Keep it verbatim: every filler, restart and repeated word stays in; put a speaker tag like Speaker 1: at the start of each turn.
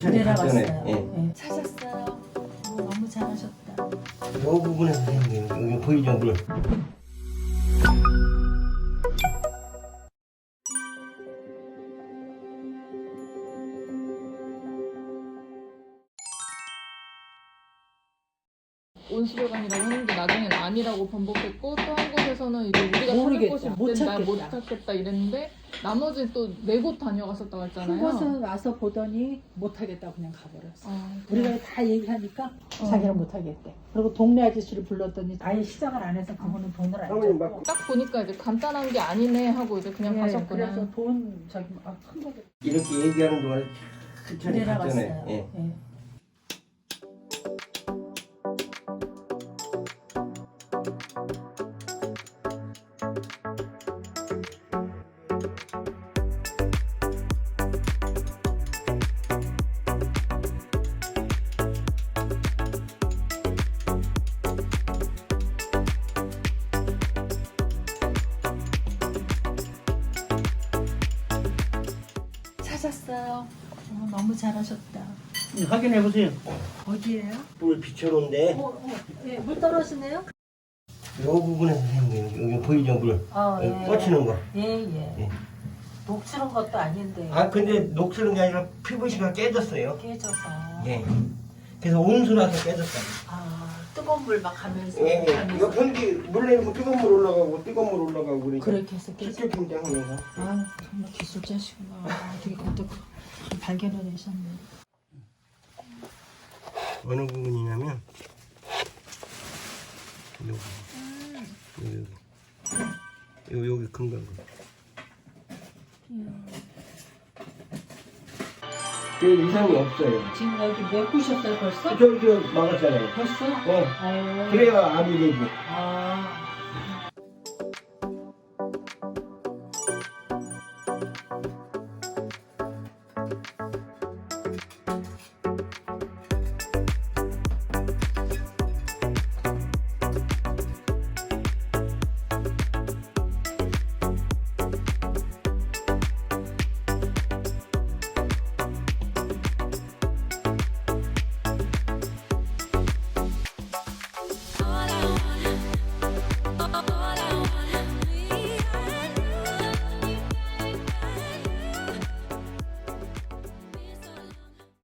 Speaker 1: 내려갔어요.
Speaker 2: 예.
Speaker 1: 네. 찾았어요. 오, 너무 잘하셨다.
Speaker 2: 이 부분에서 여기, 여기 보이죠, 물.
Speaker 3: 온수배관이라고 했는데 나중엔 아니라고 번복했고 또 한 곳에서는 이제 우리가 찾을
Speaker 1: 모르겠다.
Speaker 3: 곳이
Speaker 1: 못
Speaker 3: 없대 나못
Speaker 1: 찾겠다.
Speaker 3: 찾겠다 이랬는데 나머지 또 네 곳 다녀갔었다고 했잖아요.
Speaker 1: 한 곳은 와서 보더니 못하겠다 그냥 가버렸어.
Speaker 3: 아,
Speaker 1: 우리가 다 얘기하니까
Speaker 3: 어.
Speaker 1: 자기는 못하겠대. 그리고 동네 아저씨를 불렀더니 아예 시작을 안 해서 그분은 돈을 안
Speaker 2: 사모님
Speaker 1: 줬고.
Speaker 2: 막
Speaker 3: 딱 보니까 이제 간단한 게 아니네 하고 이제 그냥
Speaker 1: 예,
Speaker 3: 가셨구나.
Speaker 1: 그래서 돈 저기 아, 큰 거를
Speaker 2: 이렇게 얘기하는 동안에 천천히
Speaker 1: 내려갔어요.
Speaker 2: 갔잖아요. 예.
Speaker 1: 예. 찾았어요. 어, 너무 잘하셨다.
Speaker 2: 확인해 보세요.
Speaker 1: 어디예요?
Speaker 2: 물 비춰놓은데
Speaker 1: 어, 어, 예, 물 떨어지네요?
Speaker 2: 이 부분에서 여기, 여기 보이죠, 물.
Speaker 1: 어,
Speaker 2: 여기
Speaker 1: 예.
Speaker 2: 꽂히는 거.
Speaker 1: 예, 예.
Speaker 2: 예.
Speaker 1: 녹슬은 것도 아닌데
Speaker 2: 아 근데 녹슬은 게 아니라 피부시가 깨졌어요.
Speaker 1: 깨져서.
Speaker 2: 예. 그래서 온수라서 깨졌어요.
Speaker 1: 아, 뜨거운 물 막 하면서.
Speaker 2: 예, 예.
Speaker 1: 하면서.
Speaker 2: 이거 변기 물 내리면 뜨거운 물 올라가고 뜨거운 물 올라가고 그러니까
Speaker 1: 그렇게 해서 깨져.
Speaker 2: 직접 김장하면서.
Speaker 1: 아, 정말 기술자시구나. 아, 되게 그것도 발견을 내셨네.
Speaker 2: 어느 부분이냐면 여기 여기 여기 여기 금방 그 이상이 없어요.
Speaker 1: 지금 여기 메꾸셨어요 벌써?
Speaker 2: 저기 저 막았잖아요.
Speaker 1: 벌써?
Speaker 2: 네.
Speaker 1: 어.
Speaker 2: 그래야 압이 되지.
Speaker 1: 아,